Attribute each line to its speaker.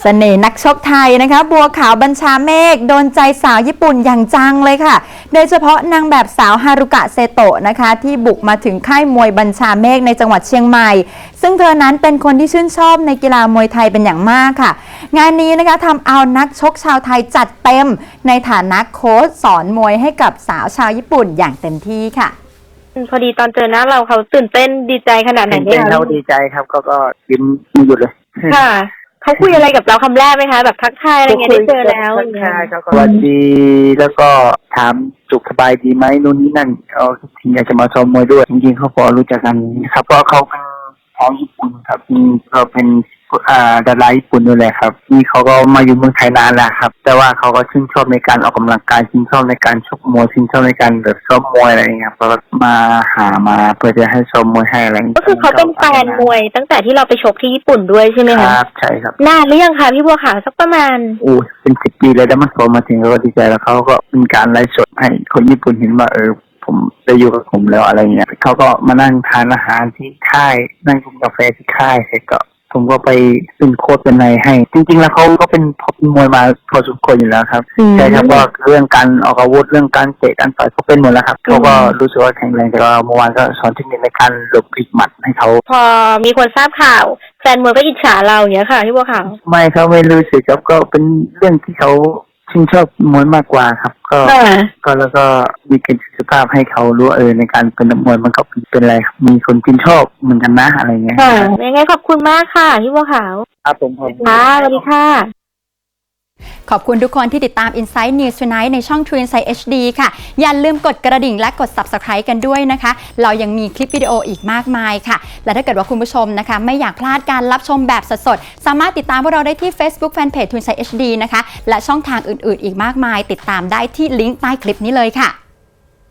Speaker 1: เสน่ห์นักชกไทยนะคะบัวขาวบัญชาเมฆโดนใจสาวญี่ปุ่นอย่างจังเลยค่ะโดยเฉพาะนางแบบสาวฮารุกะเซโตะนะคะที่บุกมาถึงค่ายมวยบัญชาเมฆในจังหวัดเชียงใหม่ซึ่งเธอนั้นเป็นคนที่ชื่นชอบในกีฬามวยไทยเป็นอย่างมากค่ะงานนี้นะคะทำเอานักชกชาวไทยจัดเต็มในฐานะโค้ชสอนมวยให้กับสาวชาวญี่ปุ่นอย่างเต็มที่ค่ะ
Speaker 2: พอดีตอนเจอหน้าเราเขาตื่นเต้นดีใจขนาดไหนเนี่ย
Speaker 3: เขาดีใจครับก็ยิ้มไม่หยุดเลย
Speaker 2: ค่ะเขาคุยอะไรกับเราคำแรกไหมคะแบบทักทายอะไรเงี้ยได้เจอแล้ว
Speaker 3: ทักทายเขาก็สวัสดีแล้วก็ถามสุขสบายดีไหมนู่นนี่นั่นเขาถึงอยากจะมาซ้อมมวยด้วยจริงๆเขาพอรู้จักกันครับเพราะเขาเป็นของญี่ปุ่นครับเขาเป็นดาราญี่ปุ่นด้วยแหละครับนี่เขาก็มาอยู่เมืองไทยนานแล้วครับแต่ว่าเขาก็ชื่นชอบในการออกกำลังกายชื่นชอบในการชกมวยชื่นชอบในการแบบซ้อมมวยอะไรอย่างเงี้ยก็มาหามาเพื่อจะให้ซ้อมมวยให้อะไรอย่างเงี้ย
Speaker 2: ก็คือเขาเป็นแฟนมวยตั้งแต่ที่เราไปชกที่ญี่ปุ่นด้วยใช่ไหมคะ
Speaker 3: ครับใช่ครับ
Speaker 2: นานหรือยังคะพี่บัวขาวสักประมาณ
Speaker 3: เป็น10 ปีเลยแล้วมันพอมาถึงเขาก็ดีใจแล้วเขาก็เป็นการไลฟ์สดให้คนญี่ปุ่นเห็นว่าผมได้อยู่กับผมแล้วอะไรเงี้ยเขาก็มานั่งทานอาหารที่ค่ายนั่งกินกาแฟที่ค่ายเสร็จก็ผมก็ไปเป็นโค้ชเป็นอะไรให้จริงๆแล้วเขาก็เป็นมวยมาพอสมควรอยู่แล้วครับใช่ครับว่าเรื่องการออกอาวุธเรื่องการเตะการต่อยเขาเป็นหมดแล้วครับเขาก็รู้สึกว่าแข็งแรงแต่ว่าเมื่อวานก็สอนเทคนิคในการหลบพลิกหมัดให้เขา
Speaker 2: พอมีคนทราบข่าวแฟนมวยก็อิจฉาเราอย่างเงี้ยค่ะพี่บัวขาว
Speaker 3: ไม่เขาไม่รู้สึกครับก็เป็นเรื่องที่เขาชื่นชอบมวยมากกว่าครับก็แล้วก็มีการศึกษาภาพให้เขารู้ในการเป็นนักมวยมันก็เป็นอะไรมีคนชื่นชอบเหมือนกันนะอะไรเงี้ย
Speaker 2: ค่ะยังไงขอบคุณมากค่ะพี่บัวขาว
Speaker 3: ครับผม
Speaker 2: ค่ะสวัสดีค่ะ
Speaker 1: ขอบคุณทุกคนที่ติดตาม Insight News Tonight ในช่อง True Insight HD ค่ะอย่าลืมกดกระดิ่งและกด Subscribe กันด้วยนะคะเรายังมีคลิปวิดีโออีกมากมายค่ะและถ้าเกิดว่าคุณผู้ชมนะคะไม่อยากพลาดการรับชมแบบสดๆสามารถติดตามพวกเราได้ที่ Facebook Fanpage True Insight HD นะคะและช่องทางอื่นๆอีกมากมายติดตามได้ที่ลิงก์ใต้คลิปนี้เลยค่ะ